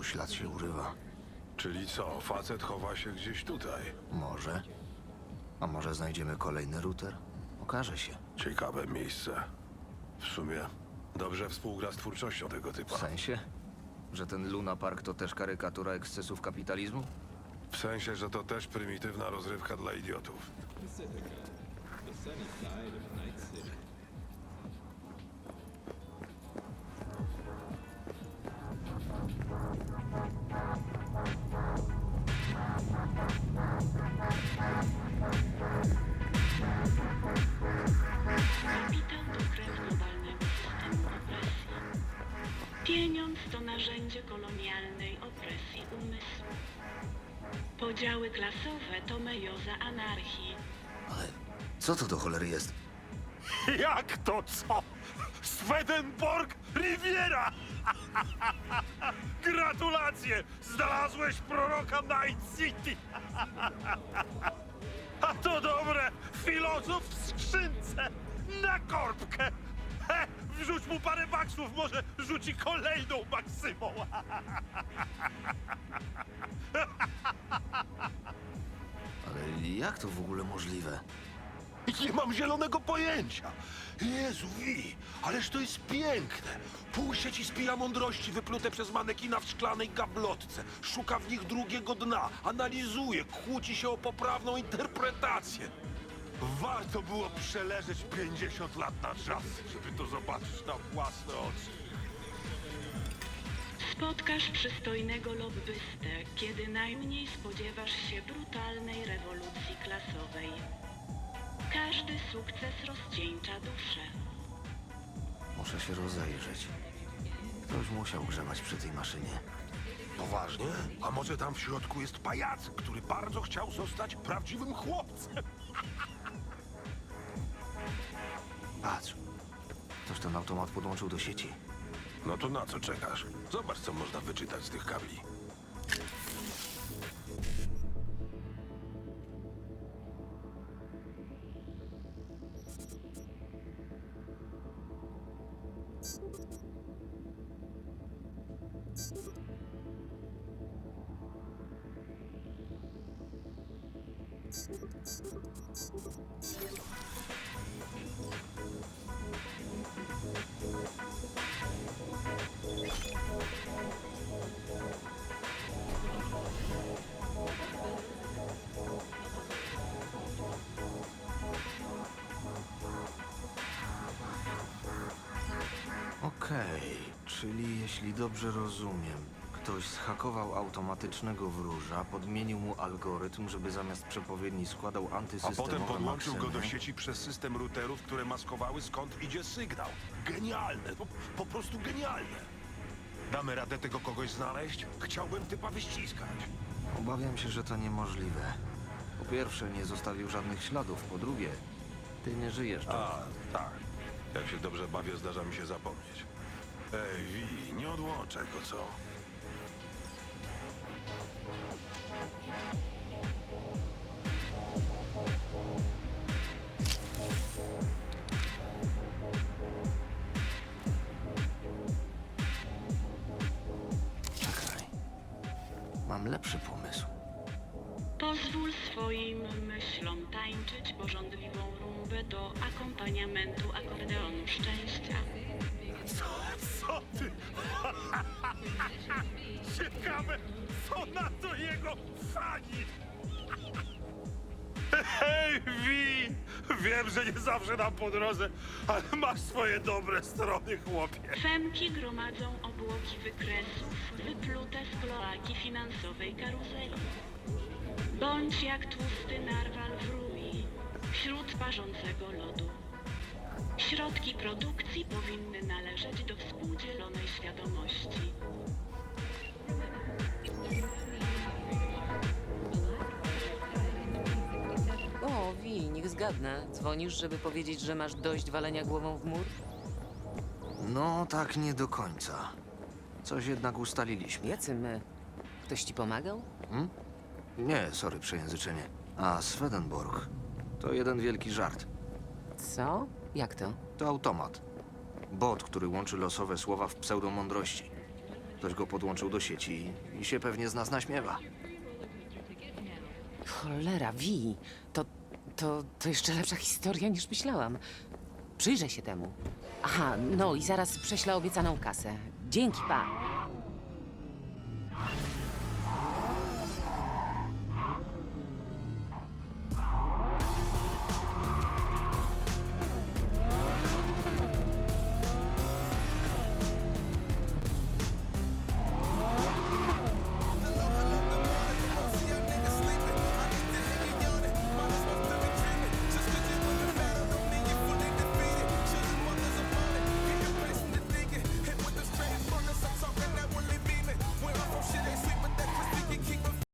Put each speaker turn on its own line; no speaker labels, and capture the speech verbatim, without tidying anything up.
Znowu ślad się urywa.
Czyli co, facet chowa się gdzieś tutaj?
Może? A może znajdziemy kolejny router? Okaże się.
Ciekawe miejsce. W sumie dobrze współgra z twórczością tego
W
typa.
sensie? Że ten Luna Park to też karykatura ekscesów kapitalizmu?
W sensie, że to też prymitywna rozrywka dla idiotów.
Pacifica, the sunny side of Night City.
Kapitał to krew globalnego systemu opresji. Pieniądz to narzędzie kolonialnej opresji umysłu. Podziały klasowe to mejoza anarchii.
Ale co to do cholery jest?
Jak to co? Swedenborg Riviera! Gratulacje! Znalazłeś proroka Night City! A to dobre! Filozof w skrzynce! Na korbkę! He, wrzuć mu parę baksów, może rzuci kolejną maksymą!
Ale jak to w ogóle możliwe?
Nie mam zielonego pojęcia. Jezu, Wi, ależ to jest piękne. Pół sieci spija mądrości wyplute przez manekina w szklanej gablotce. Szuka w nich drugiego dna, analizuje, kłóci się o poprawną interpretację. Warto było przeleżeć pięćdziesiąt lat na czas, żeby to zobaczyć na własne oczy.
Spotkasz przystojnego lobbystę, kiedy najmniej spodziewasz się brutalnej rewolucji klasowej. Każdy sukces rozcieńcza duszę.
Muszę się rozejrzeć. Ktoś musiał grzebać przy tej maszynie.
Poważnie? A może tam w środku jest pajac, który bardzo chciał zostać prawdziwym chłopcem?
Patrz. Ktoś ten automat podłączył do sieci.
No to na co czekasz? Zobacz, co można wyczytać z tych kabli.
Okej, czyli jeśli dobrze rozumiem, ktoś zhakował automatycznego wróża, podmienił mu algorytm, żeby zamiast przepowiedni składał
A
antysystemowe
potem podłączył go do
maksymy.
sieci przez system routerów, które maskowały, skąd idzie sygnał. Genialne, po, po prostu genialne. Damy radę tego kogoś znaleźć? Chciałbym typa wyściskać.
Obawiam się, że to niemożliwe. Po pierwsze, nie zostawił żadnych śladów. Po drugie, ty nie żyjesz. John.
A, tak. Jak się dobrze bawię, zdarza mi się zapomnieć. Ej, Wi, nie odłączaj go, co?
Czekaj. Mam lepszy pomysł.
Pozwól swoim myślom tańczyć porządliwą rumbę do akompaniamentu akordeonu szczęścia.
Co, co ty? Ciekawe, co na to jego fani? Hej, Wi! Wiem, że nie zawsze nam po drodze, ale masz swoje dobre strony, chłopie.
Femki gromadzą obłoki wykresów wyplute z kloaki finansowej karuzeli. Bądź jak tłusty narwal w rui wśród parzącego lodu. Środki produkcji powinny należeć do współdzielonej świadomości.
O, Wi, niech zgadnę. Dzwonisz, żeby powiedzieć, że masz dość walenia głową w mur?
No, tak nie do końca. Coś jednak ustaliliśmy.
Jacy my? Ktoś ci pomagał?
Nie, sorry, przejęzyczenie. A Swedenborg to jeden wielki żart.
Co? Jak to?
To automat. Bot, który łączy losowe słowa w pseudomądrości. Ktoś go podłączył do sieci i się pewnie z nas naśmiewa.
Cholera, Wi, to, to, to jeszcze lepsza historia niż myślałam. Przyjrzę się temu. Aha, no i zaraz prześlę obiecaną kasę. Dzięki, pa.